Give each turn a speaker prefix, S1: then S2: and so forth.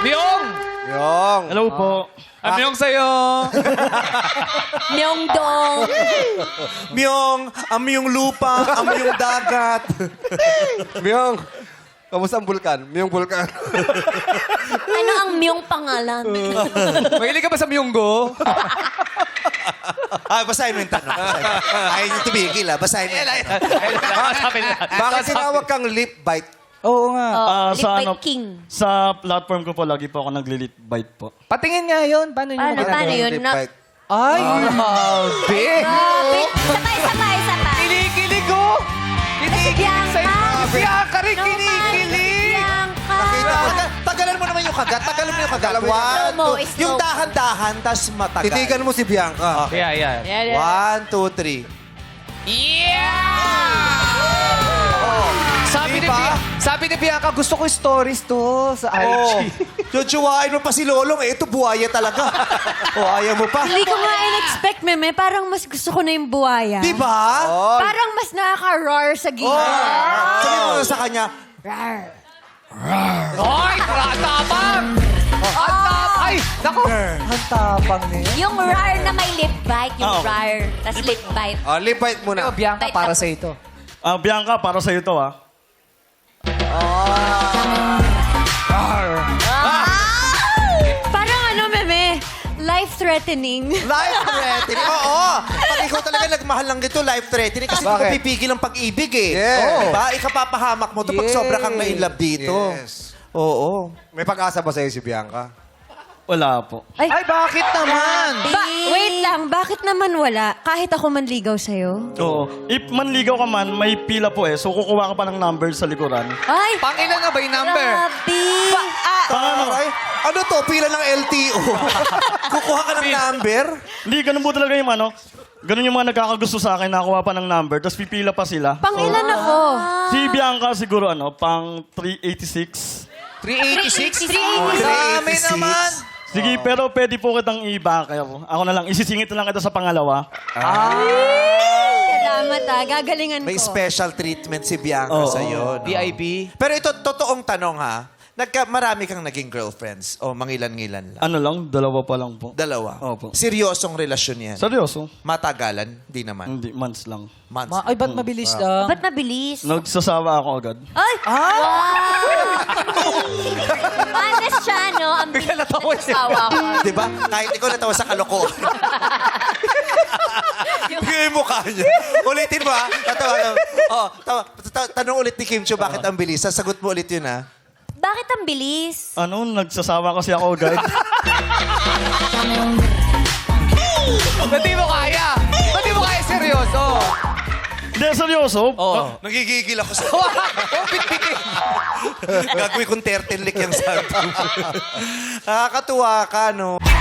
S1: Myong!
S2: Yung.
S3: Hello po.
S1: Myong sa'yo.
S4: Myeongdong.
S2: Myong, yung lupa, yung dagat.
S5: Myong, kamusta ang bulkan? Myong bulkan.
S4: Ano ang Myong pangalan?
S1: Mahilig ka ba sa Myonggo?
S2: Basahin mo yung tanong. Ayaw niyo tumigil, Basahin mo yung tanong.
S5: Bakit tinawag kang lip bite?
S3: Oo nga.
S4: Lip
S3: sa
S4: bite king.
S3: Sa platform ko po, lagi po ako nagli-lip bite po.
S1: Patingin nga yun. Paano yun?
S4: Paano yun?
S5: Lip bite.
S1: Ay, grabe.
S4: Grabe. Sabay.
S1: Kinikilig, oh. Kinikilig
S4: Bianca.
S1: sa'yo. Si Bianca rin
S4: No,
S1: kinikilig.
S4: Bianca.
S2: Tagalan mo naman yung kagat. Tagalan mo yung kagat.
S5: Tagalan mo yung
S2: One,
S4: Slow mo,
S2: two.
S4: slow.
S2: Yung dahan-dahan, tas matagal.
S5: Titigan mo si Bianca.
S1: Yeah.
S2: One, two, three.
S1: Sabi ni Bianca, gusto ko stories to sa IG.
S2: Chuchuwain mo pa si Lolong. Ito, buhaya talaga. Ayaw mo pa.
S4: Hindi ko nga in-expect, Meme. Parang mas gusto ko na yung buhaya.
S2: Di ba?
S4: Parang mas nakaka-roar sa gilid.
S2: Sabi mo sa kanya,
S4: Rar.
S1: Ay, tapang! Ay, naku!
S4: Yung rar na may lip bite. Yung
S3: Oo.
S4: rar. Tas lip bite.
S5: Oh, lip bite muna.
S1: Bianca, para sa ito.
S3: Bianca, para sa'yo to,
S4: Parang ano, Meme? Life-threatening.
S2: life-threatening. Oo. Pag ikaw talaga nagmahal lang dito, life-threatening. Kasi
S5: Bakit?
S2: hindi pipigil ang pag-ibig eh.
S5: Yes.
S2: Diba? Ikapapahamak mo to pag sobra kang na-inlove dito.
S5: Yes.
S2: Oo.
S5: May pag-asa ba sa'yo si Bianca?
S3: Wala po.
S1: Ay, bakit naman?
S4: Wait lang, bakit naman wala? Kahit ako manligaw sa'yo?
S3: Oo. If manligaw ka man, may pila po eh. So kukuha ka pa ng number sa likuran.
S4: Ay!
S1: Pangilan na ba yung number?
S4: Grabe!
S2: Aray, ano to? Pila ng LTO. Kukuha ka ng number?
S3: Hindi, ganun po talaga yung ano. Ganun yung mga nagkakagusto sa akin, nakakuha pa ng number, tapos pipila pa sila.
S4: Pangilan ako.
S3: Si Bianca siguro pang 386.
S1: 386?
S4: 386.
S1: Dami
S2: 386.
S1: naman.
S3: Sige, pero pwede po kitang iba. Kaya po. Ako na lang, isisingit na lang kita sa pangalawa.
S4: Salamat gagalingan
S2: May
S4: ko.
S2: special treatment si Bianca
S3: Oo.
S2: sa'yo. No?
S1: VIP?
S2: Pero ito, totoong tanong ha. Marami kang naging girlfriends o mangilan-ngilan lang?
S3: Ano lang, dalawa pa lang po.
S2: Dalawa?
S3: Opo.
S2: Seryosong relasyon yan?
S3: Seryoso?
S2: Matagalan? Di naman.
S3: Hindi, months lang.
S2: Months.
S1: Ay, ba't mabilis lang?
S4: Ba't mabilis?
S3: Nagsasawa ako agad.
S4: Ay! Wow! Honest siya, no? Ang
S1: Bigla natawa siya.
S4: nagsasawa ko.
S2: Di ba? Kahit ikaw natawa sa kalokohan. Bigay yung mukha niya. Ulitin mo, ha? Tatawa. Tanong ulit ni Kim Chiu, bakit ang bilis? Sasagot mo ulit yun, ha?
S4: Bakit ang bilis?
S3: Nagsasawa kasi ako agad.
S1: Ba't di mo kaya? Ba't di mo kaya seryoso?
S3: Hindi, seryoso.
S1: Oo.
S2: Nagigigil ako sa...
S1: Oh, bit-bitin.
S2: Gagawin kong 13 lick yung sabi. Nakakatuwa ka, no?